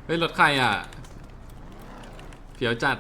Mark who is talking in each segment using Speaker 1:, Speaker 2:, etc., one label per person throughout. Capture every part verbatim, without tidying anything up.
Speaker 1: ฮ้ยรถใครอ่ะเผียวจัด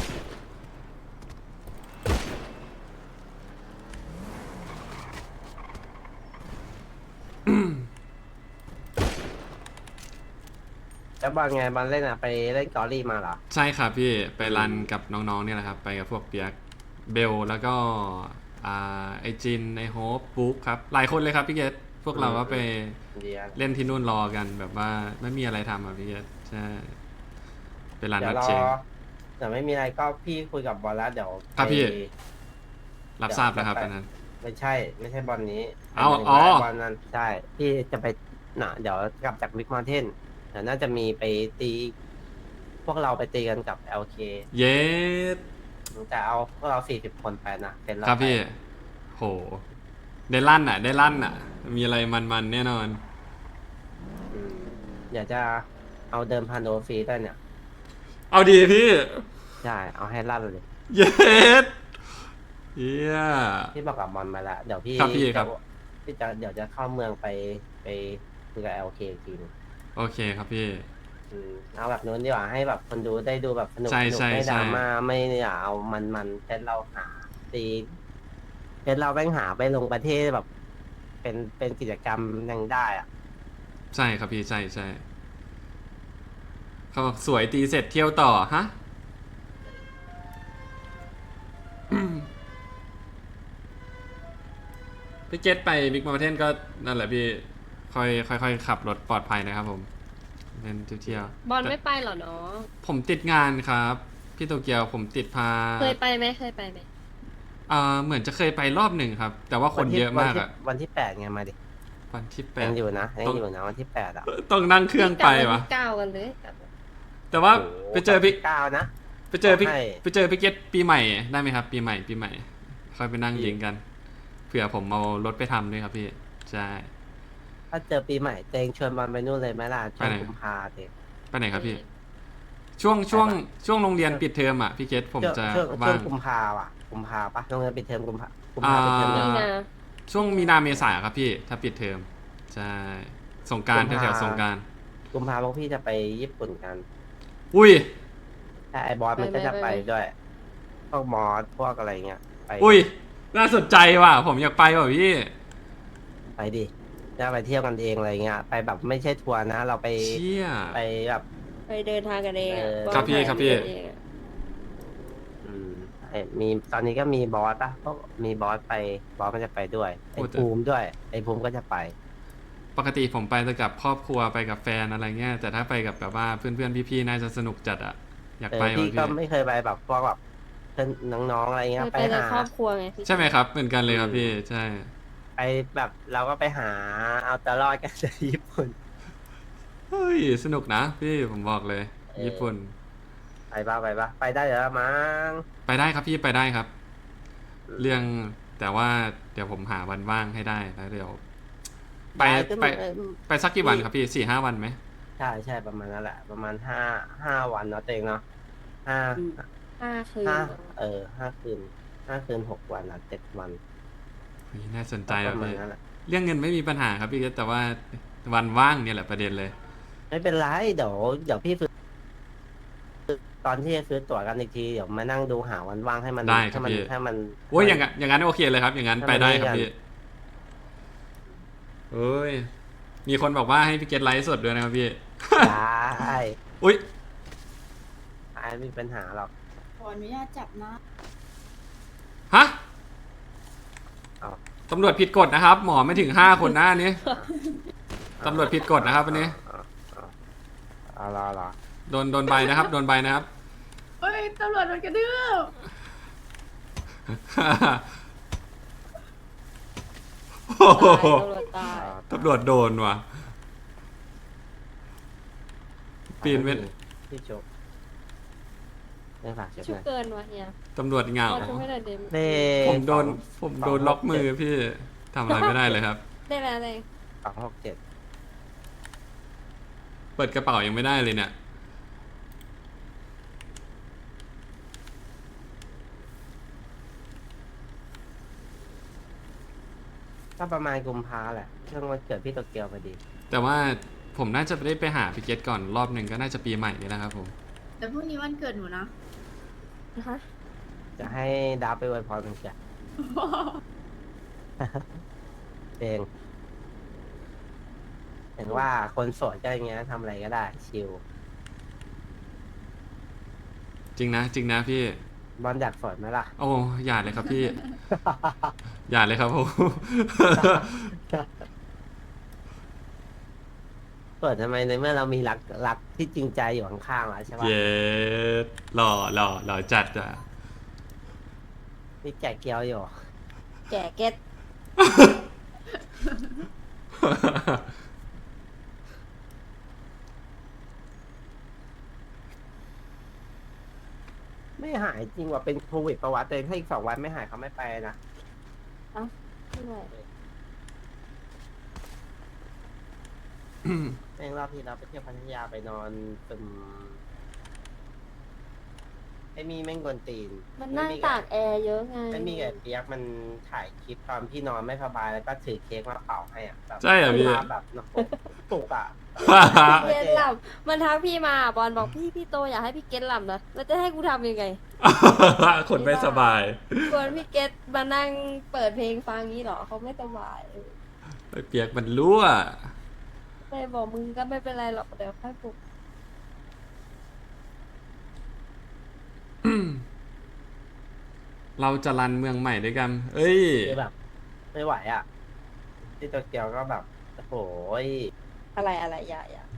Speaker 2: แล้วบอลไงบอลเล่นอ่ะไปเล่นกอรี่มาเหรอ
Speaker 1: ใช่ครับพี่ไปรันกับน้องๆเนี่ยแหละครับไปกับพวกเปียกเบลแล้วก็อ่าไอจินไอโฮปบุ๊กครับหลายคนเลยครับพี่เกตพวกเราก็ไป
Speaker 2: เดี๋ยว
Speaker 1: เล่นที่นู่นรอกันแบบว่าไม่มีอะไรทำอ่ะพี่เกตใช่ไปรัน
Speaker 2: เดี๋ยวรอ
Speaker 1: นัดเชง
Speaker 2: เดี๋ยวไม่มีอะไรก็พี่คุยกับบอลแล้วเดี๋ยวไป
Speaker 1: ครับพี่รับ
Speaker 2: เดี๋ยว
Speaker 1: ทราบแล้
Speaker 2: จะไป
Speaker 1: วครับอันนั้น
Speaker 2: ไม่ใช่ไม่ใช่บอลนี้
Speaker 1: เอา
Speaker 2: หมายถึง
Speaker 1: อ๋อ
Speaker 2: ว่าไอ้บอลนั้นใช่พี่จะไปน่ะเดี๋ยวกลับจากบิ๊กม u นเทนเดี๋ยวน่าจะมีไปตีพวกเราไปตีกันกับ แอล เค
Speaker 1: เย็ด
Speaker 2: จะเอาพวกเราสี่สิบคนไปนะเป็นเราไป
Speaker 1: ครับพี่โหได้ลั่นอ่ะได้ลั่นอ่ะมีอะไรมันๆแน่นอน
Speaker 2: อืมเดี๋ยวจะเอาเดิมพันโอฟรีด้วยเนี่ย
Speaker 1: เอาดีพี่
Speaker 2: ใช่เอาให้ลั่นเลย
Speaker 1: เย็ดเยี่ย
Speaker 2: พี่บอกกับบอลมาแล้วเดี๋ยวพี่
Speaker 1: ครับพี่ค
Speaker 2: จะ
Speaker 1: รับ
Speaker 2: พี่จะเดี๋ยวจะเข้าเมืองไปไปคุยกับ แอล เค อีกทีหนึง
Speaker 1: โอเคครับพี่
Speaker 2: อืมเอาแบบนู้นดีกว่าให้แบบคนดูได้ดูแบบสนุก
Speaker 1: ใช่
Speaker 2: สนุก
Speaker 1: ใช่
Speaker 2: ไม่ด
Speaker 1: ใช่
Speaker 2: ราม่าไม่อยากเอามันมันเซตเราหาตีเซตเราแม่งหาไปลงประเทศแบบ เป็นเป็นกิจกรรมยังได้อ่ะ
Speaker 1: ใช่ครับพี่ใช่ใช่เขาบอกสวยตีเสร็จเที่ยวต่อฮะพี่เกตไปบิ๊กมา u เทนก็นั่นแหละพี่ค่อยค่อยค่อยขับรถปลอดภัยนะครับผมเล่นเที่ยว
Speaker 3: บอล
Speaker 1: ๆแต่
Speaker 3: ไม่ไปเหรอเนาะ
Speaker 1: ผมติดงานครับพี่โตเกียวผมติดพา
Speaker 3: เคยไปไหมเคยไปไหม
Speaker 1: อ่าเหมือนจะเคยไปรอบหนึ่งครับแต่ว่าค
Speaker 2: วันที่
Speaker 1: นเยอะ
Speaker 2: วันที่
Speaker 1: มากอะ
Speaker 2: วันที่แปดไงมาดิ
Speaker 1: วันที่แป
Speaker 2: ยัง
Speaker 1: ด
Speaker 2: อยู่นะยั
Speaker 1: ต้อง
Speaker 2: งอยู่นะวันที่แปดอ่ะ
Speaker 1: ต้องนั่งเครื่องไป
Speaker 3: กลับวั
Speaker 1: วะ
Speaker 3: นที่เก้ากันเลยกลับ
Speaker 1: แต่ว่า
Speaker 2: โอ้โห
Speaker 1: ไปเจอพี่
Speaker 2: เก้านะ
Speaker 1: ไปเจอพี่
Speaker 2: ให้
Speaker 1: ไปเจอพี่เกตปีใหม่ได้ไหมครับปีใหม่ปีใหม่ค่อยไปนั่งยิงกันเผื่อผมเอารถไปทำด้วยครับพี่ใช่
Speaker 2: ถ้าเจอปีใหม่เตงชวนบอลไปนู่นเลยไหมล่ะชวนกุมภาเตง
Speaker 1: ไปไหนครับพี่ช่วงช่วง
Speaker 2: ไปปะ
Speaker 1: ช่วงโรงเรียนปิดเทอมอ่ะพี่เกตผมจะ
Speaker 2: ช่วงช่
Speaker 1: ว่าว
Speaker 2: ง
Speaker 1: ง
Speaker 2: กุมภาอ่ะกุมภาปะโรงเรียนปิดเทอมกุมภากุม
Speaker 1: อ่า
Speaker 2: ภาปิดเทอม
Speaker 3: นี่
Speaker 2: ยัง
Speaker 3: นะ
Speaker 1: ช่วงมีนาเมษาครับพี่ถ้าปิดเทอมใช่สงกราร
Speaker 2: กุมภา
Speaker 1: แถวๆสงกราร
Speaker 2: กุมภาพวกพี่จะไปญี่ปุ่นกัน
Speaker 1: อุ้ย
Speaker 2: ถ้าไอ้บอสมันก็จะไปด้วย พวกมอสพวกอะไรเงี้ยไป
Speaker 1: อุ้ยน่าสนใจว่ะผมอยากไปว่ะพี่
Speaker 2: ไปดิจะไปเที่ยวกันเองอะไรเงี้ยไปแบบไม่ใช่ทัวร์นะ เราไป
Speaker 1: เชี่ย
Speaker 2: ไปแบบ
Speaker 3: ไปเดินทางกันเองอะ
Speaker 2: เออ
Speaker 3: อล
Speaker 1: ครับพี่
Speaker 3: ไป
Speaker 1: ครับพี่
Speaker 3: กันเองอะ
Speaker 2: อืมไอ้มีตอนนี้ก็มีบอสปะพวกมีบอสไปบอสมันจะไปด้วยไอ้ภูมิด้วยไอ้ภูมิก็จะไป
Speaker 1: ปกติผมไปแต่กับครอบครัวไปกับแฟนอะไรเงี้ยแต่ถ้าไปกับแบบว่าเพื่อนๆพี่ๆน่าจะสนุกจัดอ่ะอยาก
Speaker 2: เออ
Speaker 1: ไปว่ะ
Speaker 2: พี่
Speaker 1: พี่
Speaker 2: ก็ไม่เคยไปแบบพวกแบบเพื่อนน้องๆอะไร
Speaker 3: เค
Speaker 2: เงี้ย
Speaker 3: ย
Speaker 2: ไป
Speaker 3: ไปใน
Speaker 2: หา
Speaker 3: ครอบครัวไงพี่
Speaker 1: ใช่ไหมครับเหมือนกันเลยครับพี่ใช่
Speaker 2: ไปแบบเราก็ไปหาเอาตัวรอดกันจากญี่ปุ่น
Speaker 1: เฮ้ยสนุกนะพี่ผมบอกเลย
Speaker 2: เออ
Speaker 1: ญี่ปุ่น
Speaker 2: ไปบ้าไปบ้าไปได้เดี๋ยวละมั้ง
Speaker 1: ไปได้ครับพี่ไปได้ครับ เรื่องแต่ว่าเดี๋ยวผมหาวันว่างให้ได้แล้วเดี๋ยว ไป
Speaker 2: ด้ขึ้น
Speaker 1: ไป
Speaker 2: เออ
Speaker 1: ไปสักกี่วันครับพี่สี่ห้าวันไหม
Speaker 2: ใช่ใช่ประมาณนั้นแหละ ประมาณห้าห้าวันเนาะตัวเองเนาะห้า
Speaker 3: ห้าคืน
Speaker 2: ห้าเออห้าคืนห้าคืนหกวันอ่ะเจ็ดวัน
Speaker 1: เฮ้ยน่าสนใจ
Speaker 2: ป
Speaker 1: ว่ะ
Speaker 2: ระมาณ
Speaker 1: พี่
Speaker 2: นั้นแหละ
Speaker 1: เรื่องเงินไม่มีปัญหาครับพี่แต่ว่าวันว่างเนี่ยแหละประเด็นเลย
Speaker 2: ไม่เป็นไรเดี๋ยวเดี๋ยวพี่ซื้อตอนที่จะซื้อตั๋วกันอีกทีเดี๋ยวมานั่งดูหาวันว่างให้มัน
Speaker 1: ได้ครับ
Speaker 2: ให้มั
Speaker 1: พี่
Speaker 2: ให้มัน
Speaker 1: โอ้ยอย่างงั้นอย่างนั้นโอเคเลยครับ อย่างนั้น
Speaker 2: ให้
Speaker 1: ไป
Speaker 2: มัน
Speaker 1: ได้
Speaker 2: นี่
Speaker 1: ครับ
Speaker 2: กัน
Speaker 1: พี่เอ้ยมีคนบอกว่าให้พี่เกตไลฟ์สดด้วยนะครับพี่
Speaker 2: ได้
Speaker 1: อุ้ย
Speaker 2: ไม่มีปัญหาหรอก
Speaker 4: ขออนุญาตจับนะ
Speaker 1: ฮะ
Speaker 2: เอา
Speaker 1: ตำรวจผิดกฎนะครับ หมอไม่ถึงห้าคนหน้านี้ตำรวจผิดกฎนะครับอันนี้
Speaker 2: เอารอรอ
Speaker 1: โดนโดนใบนะครับโดนใบนะครับ
Speaker 4: เฮ้ย ตำรวจโดนกระดืบ
Speaker 1: โอ้โห
Speaker 3: ตายตำรวจตาย
Speaker 1: ตำรวจโดนว่ะ ปีนเว้น
Speaker 2: พี่โจไม่ฝากเช็ค
Speaker 3: ชุ
Speaker 2: ห
Speaker 3: บ
Speaker 2: น่อย
Speaker 3: เกินวะเฮีย
Speaker 1: ตำรวจเหงา
Speaker 3: บอลชุบไม่ได้เดม
Speaker 2: เลข
Speaker 1: ผมโดน
Speaker 2: สอง
Speaker 1: ผมโดนล็อกมือพี่ทำอะไรไม่ได้เลยครับ
Speaker 3: ได้แล้วเลย
Speaker 2: สองหกเจ็ด
Speaker 1: เปิดกระเป๋ายังไม่ได้เลยเนี่ย
Speaker 2: ก็ประมาณกุมภาแหละช่วงวันเกิดพี่โตเกียวพอดี
Speaker 1: แต่ว่าผมน่าจะได้ไปหาพี่เกตก่อนรอบหนึ่งก็น่าจะปีใหม่นี่แหละครับผม
Speaker 4: แต่พรุ่งนี้วันเกิดหนูนะ
Speaker 3: นะคะ
Speaker 2: จะให้ดาวไปอวยพรมันเกิดเองเห็นว่าคนโสดก็อย่างเงี้ยทำอะไรก็ได้ ชิล
Speaker 1: จริงนะจริงนะพี่
Speaker 2: บอลอยากโสดไหมล่ะ
Speaker 1: โอ้อย่าเลยครับพี่ อย่าเลยครับผม
Speaker 2: โสดทำไมในเมื่อเรามีรักรักที่จริงใจอยู่ข้างๆแล้วใช่ปะ
Speaker 1: เย็ดหล่อหล่อหล่อจัดอ่ะ
Speaker 2: มีแกะเกียวอยู่
Speaker 3: แก่เก็ต
Speaker 2: ไม่หายจริงว่าเป็นโควิดประวัติเลยถ้าอีกสองวันไม่หายเขาไม่ไปนะ
Speaker 3: ไม่ไหว
Speaker 2: แม่งรอบที่เราไปเที่ยวพัทยาไปนอนตึมไอ้มีแม่งกวนตีน
Speaker 3: มันนั่งตากแอร์เยอะไง
Speaker 2: ไม่มีไอ้เปียกมันถ่ายคลิปตอนพี่นอนไม่สบายแล้วก็ถือเค้กมาเป่าให้อ่ะแบบ
Speaker 1: ใช่เหรอพี่
Speaker 2: ภาพแบบเนอะปลุกอ่ะ
Speaker 3: เกตหลับมันทักพี่มาบอลบอกพี่พี่โตอยากให้พี่เกตหลับนะแล้วจะให้กูทำยังไง
Speaker 1: คนไม่สบาย
Speaker 3: ควรพี่เกตมานั่งเปิดเพลงฟังงี้เหรอเขาไม่สบาย
Speaker 1: ไอ้เปียกมันรั่ว
Speaker 3: เลยบอกมึงก็ไม่เป็นไรหรอกเดี๋ยวค่อยปลุก
Speaker 1: เราจะรันเมืองใหม่ด้วยกัน เอ้ย
Speaker 2: คือแบบ ไม่ไหวอ่ะ ที่โตเกียวก็แบบโอ้โหย
Speaker 3: อะไรอะไรอย่าอย่า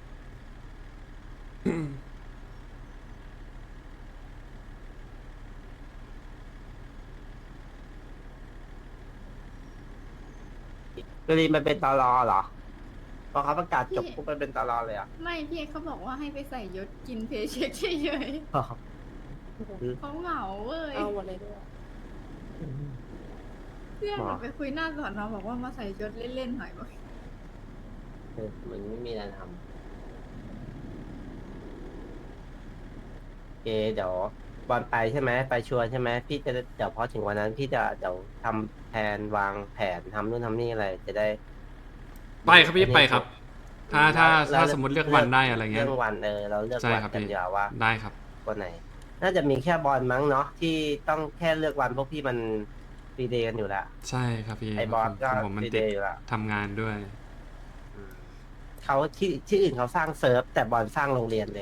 Speaker 2: กรีนมันเป็นตอรอเหรอพอเขาประกาศจบปุ๊บมันเป็นตอรอเลยอ่ะ
Speaker 4: ไม่พี่เขาบอกว่าให้ไปใส่ยศกินเพย์เช็คเฉยๆเขาเหงาเว้ย
Speaker 3: เอาหมดเลยด้วย
Speaker 4: เพื่อนหนูไปคุยหน้าสอนเราบอกว่ามาใส่ยศเล่นๆหน่อยบอก
Speaker 2: เออมันไม่มีอะไรทำโอเคเดี๋ยวบอลไปใช่ไหมไปชัวร์ใช่ไหมพี่จะเดี๋ยวพอถึงวันนั้น พี่จะเดี๋ยวทำแผนวางแผนทำนู่นทำนี่อะไรจะได้
Speaker 1: ไปครับพี่ไปครับ ถ้าถ้าถ้าสมมติเลือกวันได้อะไรเงี้ย
Speaker 2: เรื่องวันเออเราเลือก
Speaker 1: ใช่
Speaker 2: วัน
Speaker 1: ครับ
Speaker 2: กัน
Speaker 1: พี่
Speaker 2: เดียวว่า
Speaker 1: ได้ครับ
Speaker 2: วันไหน น่าจะมีแค่บอลมั้งเนาะที่ต้องแค่เลือกวันพวกพี่มันฟรีเดย์กันอยู่แล้ว
Speaker 1: ใช่ครับพี่
Speaker 2: ไอบอลก็
Speaker 1: ผมผม
Speaker 2: ฟ
Speaker 1: มัน
Speaker 2: รี
Speaker 1: ติ
Speaker 2: เด
Speaker 1: ด
Speaker 2: ย์อยู่แล้ว
Speaker 1: ทำงานด้วย
Speaker 2: อืมเขาที่ที่อื่นเขาสร้างเซิร์ฟแต่บอลสร้างโรงเรียนเอง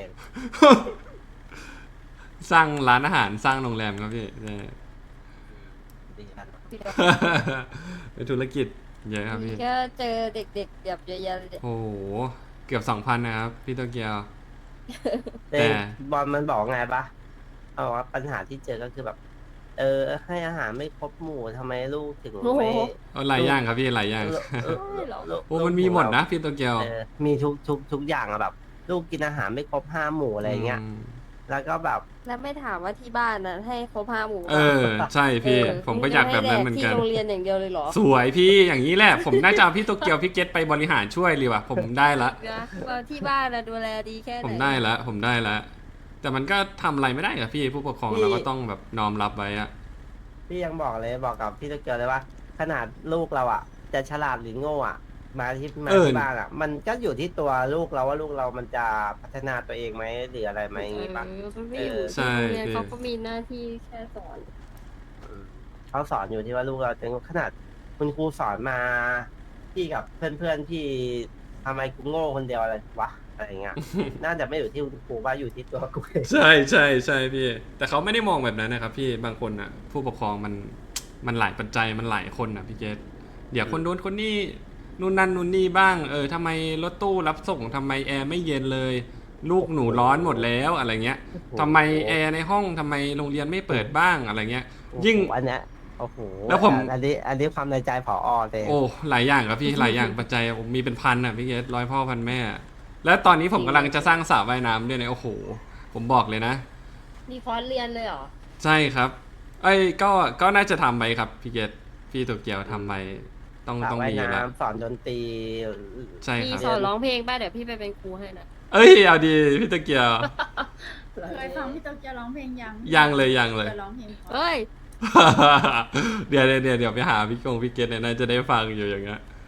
Speaker 1: สร้างร้านอาหารสร้างโรงแรมครับพี่ใช่
Speaker 2: ดีนะ
Speaker 1: เป็นธุรกิจเยอะครับพี่
Speaker 3: ก็เจอเด็กๆแบบเยอะแยะเลย
Speaker 1: โอ้โห เกือบสองพันนะครับ พี่โตเกียว
Speaker 2: แต่
Speaker 1: แต่
Speaker 2: บอลมันบอกไงปะเอาว่าปัญหาที่เจอก็คือแบบ เออ ให้อาหารไม่ครบหมู่ทำไมลูกถึงไม่
Speaker 1: เอาหลายอย่างครับพี่หลายอย่าง
Speaker 2: เออเออเออเออ
Speaker 1: โอ้มันมีหมดนะพี่โตเกียว
Speaker 2: เออมีทุกทุกทุกอย่างอะแบบ ลูกกินอาหารไม่ครบห้าหมู่อะไรเงี้ย
Speaker 1: ม
Speaker 2: แล้วก็แบบ
Speaker 3: แล้วไม่ถามว่าที่บ้านนะให้ครบห้าหมู่
Speaker 1: เออ ใช่พี่
Speaker 3: เออ
Speaker 1: ผมก็อยากแบบนั้นเหมือนกัน
Speaker 3: ที่โรงเรียนอย่างเดียวเลยเหรอ
Speaker 1: สวยพี่อย่างนี้แหละ ผมน่าจะเอาพี่โตเกียวพี่เกตไปบริหารช่วยเลยว่ะ ผมได้ละ
Speaker 3: นะว่าที่บ้านนะดูแลดีแค่ไหน
Speaker 1: ผมได้ละผมได้ละแต่มันก็ทำอะไรไม่ได้กับพี่ผู้ปกครอง
Speaker 2: พี่
Speaker 1: เราก็ต้องแบบน้อมรับไว้อะ
Speaker 2: พี่ยังบอกเลยบอกกับพี่ตะเกียวเลยว่า ขนาดลูกเราอ่ะ จะฉลาดหรือโง่อ่ะ มาที่มาที่บ้านอ่ะ มันก็อยู่ที่ตัวลูกเราว่าลูกเรามันจะพัฒนาตัวเองไหมหรืออะไรไหมอย่างงี้ปะ
Speaker 3: เออมันไม่อยู่
Speaker 2: เออ
Speaker 1: ใช่
Speaker 3: ที่โรงเรียน
Speaker 1: พี่
Speaker 3: เขาก็มีหน้าที่แค่สอน
Speaker 2: เขาสอนอยู่ที่ว่าลูกเราจะขนาดคุณครูสอนมาพี่กับเพื่อนๆที่ทำไมกูโง่คนเดียวอะไรวะอะไรเงี้ย น่าจะไม่อยู่ที่คุณครูว่าอยู่ที่ตัวกูเอง
Speaker 1: ใช่ใช่ใช่พี่ แต่เขาไม่ได้มองแบบนั้นนะครับพี่บางคนอ่ะ ผู้ปกครองมันมันหลายปัจจัยมันหลายคนอ่ะพี่เกตเดี๋ยวคนนู้นคนนี้นู่นนั่นนู่นนี่บ้าง เออทำไมรถตู้รับส่งทำไมแอร์ไม่เย็นเลย ลูกหนูร้อนหมดแล้วอะไรเงี้ยทำไมแอร์ในห้องทำไมโรงเรียนไม่เปิดบ้างอะไรเงี้ย ยิ่ง
Speaker 2: โอ้โหอันเนี้ยโอ้โห
Speaker 1: แล้วผม
Speaker 2: อันนี้ อันนี้ความในใจผอเลย
Speaker 1: โอ้หลายอย่างครับพี่ หลายอย่างปัจจัยผมมีเป็นพันอ่ะพี่เกตร้อยพ่อพันแม่ แล้วตอนนี้ผมกำลังจะสร้างสระว่ายน้ำด้วยเนี่ยโอ้โห ผมบอกเลยนะ
Speaker 3: มีคอร์สเรียนเลยเหรอ
Speaker 1: ใช่ครับ เอ้ยก็ก็น่าจะทำไปครับพี่เกตพี่โตเกียวทำไปต้อง
Speaker 2: สระ
Speaker 1: ต้อง
Speaker 2: ว่าย
Speaker 1: มีแล้ว
Speaker 2: น้ำสอนดนตรี
Speaker 1: ใช่
Speaker 3: มี
Speaker 1: ครับ
Speaker 3: สอนร้องเพลงป่ะเดี๋ยวพี่ไปเป็นครูให้นะ
Speaker 1: เอ้ยเอาดีพี่โตเกียว
Speaker 4: เคยฟังพี่โตเกียวร้องเพลงยัง
Speaker 1: ยังเลยยังเลย
Speaker 4: จะร้องเพลงเพราะ
Speaker 3: เฮ้ย
Speaker 1: เดี๋ยวเดี๋ยวเดี๋ยวเดี๋ยวไปหาพี่กงพี่เกตเนี่ยน่าจะได้ฟังอยู่อย่างเงี้ย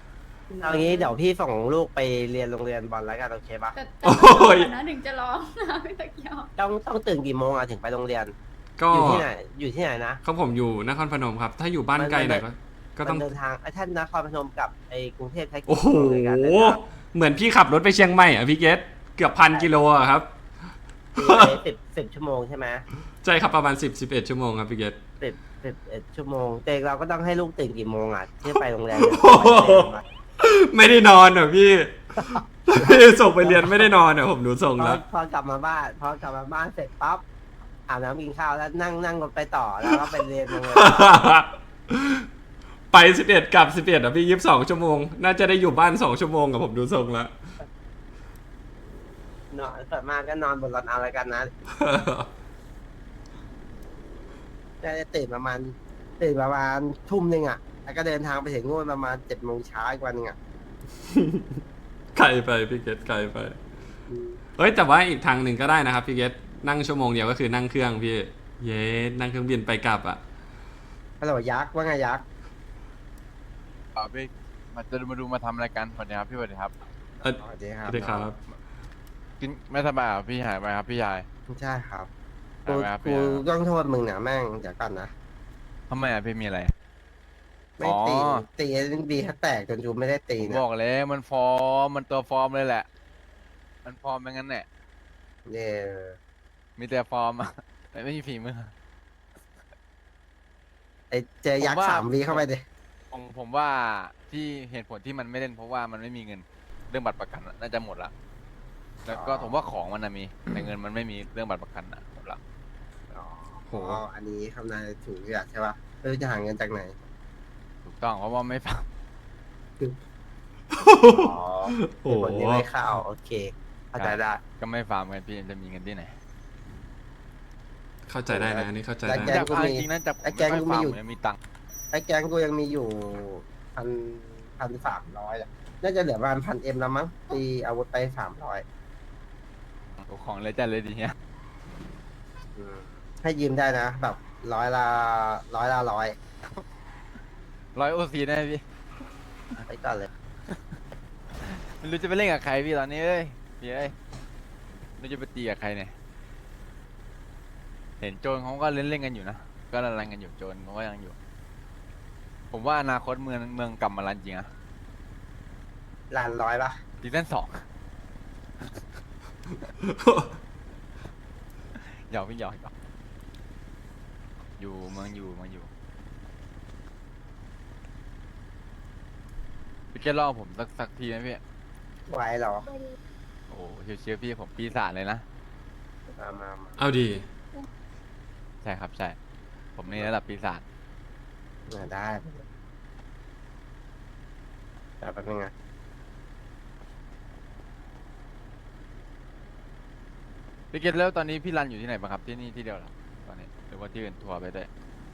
Speaker 2: เอางี้เดี๋ยวพี่ส่งลูกไปเรียนโรงเรียนบอลแล้วกันโอเคปะ
Speaker 4: แต่แต่
Speaker 1: โอ้ย
Speaker 4: ก่อนนะถึงจะร้องนะพี่ตะเกียว
Speaker 2: ต้องต้องตื่นกี่โมงอะถึงไปโรงเรียน
Speaker 1: ก็
Speaker 2: อยู่ที่ไหนอยู่ที่ไหนนะ
Speaker 1: เขาผมอยู่นครพนมครับ ถ้าอยู่บ้านไกลหน่อยก็ก็ต้อง
Speaker 2: มันเดินทางไอ้ท่านนครพนมกับไอ้กรุงเทพใช้กี่
Speaker 1: โอ้โห
Speaker 2: ชั่วโมงในการเดินทาง
Speaker 1: เหมือนพี่ขับรถไปเชียงใหม่อ่ะพี่เกตเกือบพันกิโลอะครับ
Speaker 2: สิบสิบชั่วโมงใช่ไหม
Speaker 1: ใช่ครับประมาณสิบสิบเอ็ดชั่วโมงครับพี่เกต
Speaker 2: สิบสิบเอ็ดชั่วโมงแต่เราก็ต้องให้ลูกตื่นกี่โมงอ่ะที่ไปโรงแรม
Speaker 1: ไม่ได้นอนเหรอพี่ พี่ส่งไปเรียนไม่ได้นอนเหรอผมดูส่ง
Speaker 2: พอ
Speaker 1: แล้ว
Speaker 2: พอกลับมาบ้านพอกลับมาบ้านเสร็จปั๊บอาบน้ำกินข้าวแล้วนั่งนั่งรถไปต่อแล้วก็ไปเรียนโรงเรียน
Speaker 1: ไปสิบเอ็ดกลับสิบเอ็ดอ่ะพี่ยี่สิบสองชั่วโมง น่าจะได้อยู่บ้านสองชั่วโมงกับผมดูส่งแล้ว
Speaker 2: นอนส่วนมากก็นอนบนรถเอาอะไรกันนะน่าจะตื่นประมาณตื่นประมาณทุ่มหนึ่งอ่ะแล้วก็เดินทางไปถึงนู่นประมาณเจ็ดโมงเช้าอีกวันหนึงอ่ะ
Speaker 1: ไกลไปพี่เกตไกลไป เฮ้ยแต่ว่าอีกทางหนึ่งก็ได้นะครับพี่เกตนั่งชั่วโมงเดียวก็คือนั่งเครื่องพี่ เย้นั่งเครื่องบินไปกลับอ่ะ
Speaker 2: ฮัลโหลยักษ์ว่าไงยักษ์
Speaker 5: อ่าพี่มาจะมาดูมาทำอะไรกันสวัสดีครับพี่สวัสดีครับ
Speaker 1: เอ้ย
Speaker 2: สวัสดีค
Speaker 1: ส
Speaker 2: รับ
Speaker 1: วัสดีครับ
Speaker 5: กินไม่สบายเหรอพี่หายไปครับพี่ชาย
Speaker 2: ใช่ครับ
Speaker 5: หาย
Speaker 2: กู
Speaker 5: ไปครับ
Speaker 2: กู
Speaker 5: พี่ชาย
Speaker 2: ต้องโทษมึงนะแม่งเดี๋ยวก่อนนะ
Speaker 5: ทำไมอ่ะพี่มีอะไร
Speaker 2: ไม่ตี
Speaker 5: อ๋อ
Speaker 2: ตีดีถ้าแตกจนจูไม่ได้ตี
Speaker 5: ผม
Speaker 2: นะ
Speaker 5: บอกเลยมันฟอร์มมันตัวฟอร์มเลยแหละ มันฟอร์มเป็นงั้นแหละ
Speaker 2: เย่
Speaker 5: มีแต่ฟอร์มอะ แต่ไม่มีฝีมือ
Speaker 2: ไอเจอยัก
Speaker 5: ผม
Speaker 2: ษ์
Speaker 5: ว่า
Speaker 2: สามวีเข้าไปดิ
Speaker 5: ผมผมว่าที่เหตุผลที่มันไม่เล่นเพราะว่ามันไม่มีเงินเรื่องบัตรประกันอะน่าจะหมดละแล้วก็ผมว่าของมันนะมีแต่เงินมันไม่มีเรื่องบัตรประกันอะหมดละ
Speaker 2: อ๋อ
Speaker 1: โห
Speaker 2: อันนี้คำนายถูกอยากใช่ปะเออจะหาเงินจากไหน
Speaker 5: ถูกต้องเพราะว่าไม่ฟัง
Speaker 2: อ๋อ
Speaker 1: โอ้
Speaker 2: เหตุ
Speaker 1: โห
Speaker 2: ผลนี้ไม่เข้าโอเคเข้าใจได้
Speaker 5: ก็ไม่ฟาร์มกันพี่จะมีเงินที่ไหน
Speaker 1: เข้าใจได้นะอันนี้เข้าใจ
Speaker 2: แล้
Speaker 1: ได้
Speaker 2: วแก
Speaker 5: จับเอาจริงๆนะจับ
Speaker 2: ไอ้แก๊งกูมีอยู่
Speaker 5: ไค่ฟาร์ยังมีตังค์
Speaker 2: ไอ้แก๊งกูยังมีอยู่พันพันสามร้อยอะน่าจะเหลือประมาณพันเอ็มแล้วมั้งตีอาวุธไปสามร้อย
Speaker 5: โอ้ของเลยจัดเลยดีเนี้ย
Speaker 2: ให้ยืมได้นะ แบบร้อยละร้อยละร้อย
Speaker 5: ร้อยโอซีได้ไหมพี่
Speaker 2: ไปก่อนเลย
Speaker 5: ไม่รู้จะไปเล่นกับใครพี่ตอนนี้เอ้ยพี่เอ้ยไม่รู้จะไปตีกับใครเนี่ยเห็นโจรเขาก็เล่นเล่นๆกันอยู่นะก็รันๆกันอยู่โจรเขาก็ยังอยู่ ผมว่าอนาคตเมืองเมืองกลับมารันจริงอะ
Speaker 2: ล้านร้อยปะ
Speaker 5: ซีซั่นสอง หยอกพี่หยอกหยอกอยู่เมืองอยู่เมืองอยู่พี่จะล่อผมสักสักทีไหมพี่
Speaker 2: ไหวเหรอ
Speaker 5: โอ้เชียวๆพี่ผมปีศาจเลยนะ
Speaker 2: มามามา
Speaker 1: เอาดี
Speaker 5: ใช่ครับใช่ ผมนี่ระดับปีศาจ
Speaker 2: มาได้แต่แป๊บนึงนะ
Speaker 5: พี่เกตแล้วตอนนี้พี่รันอยู่ที่ไหนบ้างครับที่นี่ที่เดียวเหรอตอนนี้หรือว่าที่อื่นทัวร์ไปด้วย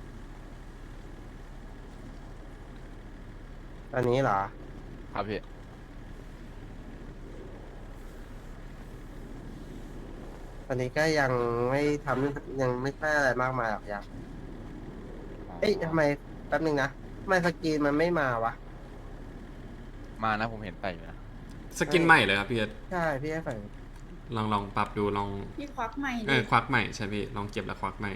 Speaker 2: ตอนนี้เหรอ
Speaker 5: ครับพี่
Speaker 2: ตอนนี้ก็ยังไม่ทำยังไม่ค่อยอะไรมากมายหรอกยังเอ้ยทำไมแป๊บนึงนะทำไมสกรีนมันไม่มาวะ
Speaker 5: มานะผมเห็นไปอยู่นะ
Speaker 1: สกินใหม่เลยครับพี่เกต
Speaker 2: ใช่พี่ให้ใส่
Speaker 1: ลองลองปรับดูลอง
Speaker 4: พี่ควักใหม่
Speaker 1: เอ
Speaker 4: ดิ
Speaker 1: อควักใหม่ใช่พี่ลองเก็บแล้วควักใหม่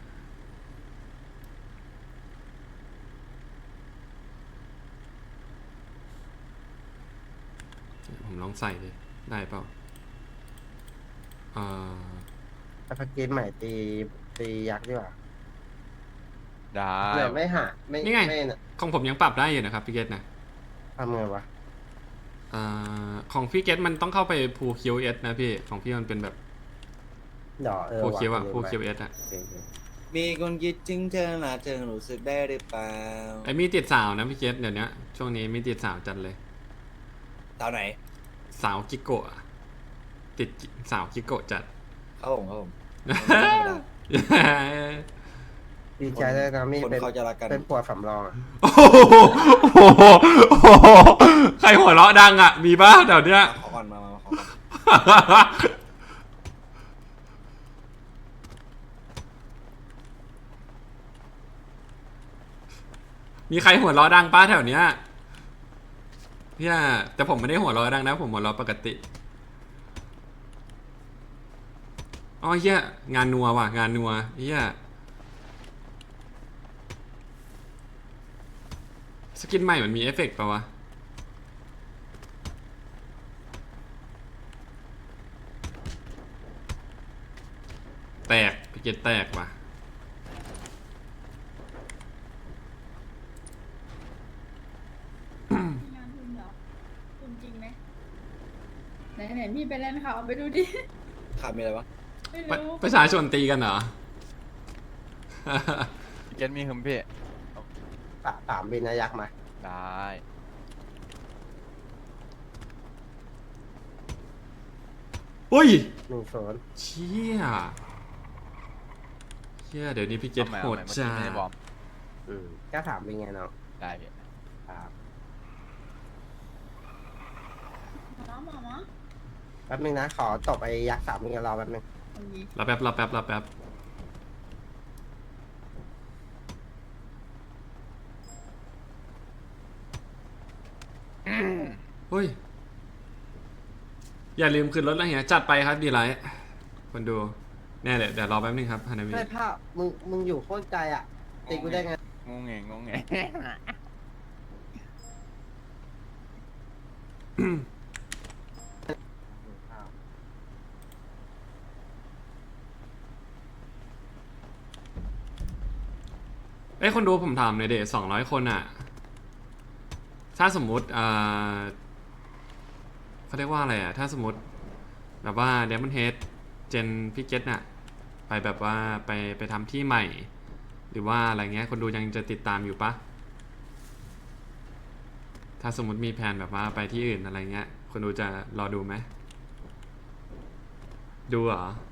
Speaker 1: ผมลองใส่ดิได้เปล่าเอ่อ
Speaker 2: สกรีนใหม่ตีตียักษ์ดีกว่า
Speaker 5: ได้
Speaker 2: เดี๋ยวไม่หาไม่
Speaker 1: นี่ไง
Speaker 2: ไม่น่ะ
Speaker 1: ของผมยังปรับได้อยู่นะครับพี่เกตนะ
Speaker 2: ทำไงวะ
Speaker 1: เอ่อของพี่เกตมันต้องเข้าไปพูคิวเอสนะพี่ของพี่มันเป็นแบบ
Speaker 2: เดี๋ยวเออ
Speaker 1: พู
Speaker 2: ว่ะ
Speaker 1: คิวอะ
Speaker 2: ลืม
Speaker 1: พู
Speaker 2: ไป
Speaker 1: คิวเอสอะ
Speaker 2: โอเคโอเค
Speaker 6: มีคนคิดถึงเธอละเธอรู้สึกได้หรือเปล่า
Speaker 1: ไอ้มีติดสาวนะพี่เกตเดี๋ยวนี้ช่วงนี้มีติดสาวจัดเลย
Speaker 6: สาวไหน
Speaker 1: สาวกิโกะอะติดสาวกิโกะจัด
Speaker 6: ครับผมครับผม
Speaker 2: ดีใจด้วยนะมี
Speaker 6: คน
Speaker 2: เป็น
Speaker 6: เขาจะรักกัน
Speaker 2: เป็นปวดสำรองอะ
Speaker 1: โอ้โหโอ้โหโอ้โหใครหัวเราะดังอ่ะ มีป่ะเดี๋ยวเนี้ย
Speaker 6: ขอก่อนมามามาขอก่อน
Speaker 1: มีใครหัวเราะดังป้าแถวเนี้ยพี่อะแต่ผมไม่ได้หัวเราะดังนะ ผมหัวเราะปกติอ๋อเฮียงานนัวว่ะงานนัวเฮียสกินใหม่มันมีเอฟเฟกต์ป่าวะแตกพี่เกตแตกว่ะ
Speaker 4: มีงานทุนเหรอทุนจริงไหมไหนไหนพี่ไปเล่นเขาไปดูดิ
Speaker 6: ขาดมีอะไรวะ
Speaker 4: ไม่
Speaker 1: ประ
Speaker 4: รู้
Speaker 1: ประชาชนตีกันเหรอ
Speaker 5: พี่เกตมีหึมพี่
Speaker 2: ปะสามบินนะยักษ์มา
Speaker 5: ได้
Speaker 1: อุ้ย
Speaker 2: หนึ่งศูนย์
Speaker 1: เชี่ยเชี่ยเดี๋ยวนี้พี่เกต
Speaker 5: อาใหม่
Speaker 1: โห
Speaker 5: อา
Speaker 1: ด
Speaker 5: ใหม่เมื่อ
Speaker 1: จ้า
Speaker 5: กี้ไม่ได้บอม
Speaker 2: อืมก็สามบินไงน้อง
Speaker 5: ได้พี่
Speaker 2: ครับ
Speaker 4: หมอหมอหมอ
Speaker 2: แป๊บนึงนะ ขอตบไอ้ยักษ์สามบินกับเราแป๊บนึง
Speaker 4: โอเค
Speaker 1: รอแป๊บรอแป๊บรอแป๊บเฮ้ย อย่าลืมขึ้นรถแล้วเฮียจัดไปครับดีไลท์คนดูแน่เลยเดี๋ยวรอแป๊บนึงครับฮานามิ
Speaker 2: ไม่ภาพมึงมึงอยู่โคตรไกลอ่ะตีกูได้ไง
Speaker 5: งงเงงงงเง
Speaker 1: เอ้ยคนดูผมถามหน่อยเดสองร้อยคนอ่ะ ถ้าสมมุติอ่าเขาเรียกว่าอะไรอ่ะ ถ้าสมมติแบบว่าเดมอนเฮดเจนพิกเก็ตน่ะ ไปแบบว่าไปไปทำที่ใหม่ หรือว่าอะไรเงี้ย คนดูยังจะติดตามอยู่ปะถ้าสมมติมีแผนแบบว่าไปที่อื่นอะไรเงี้ย คนดูจะรอดูไหม ดูเหรอ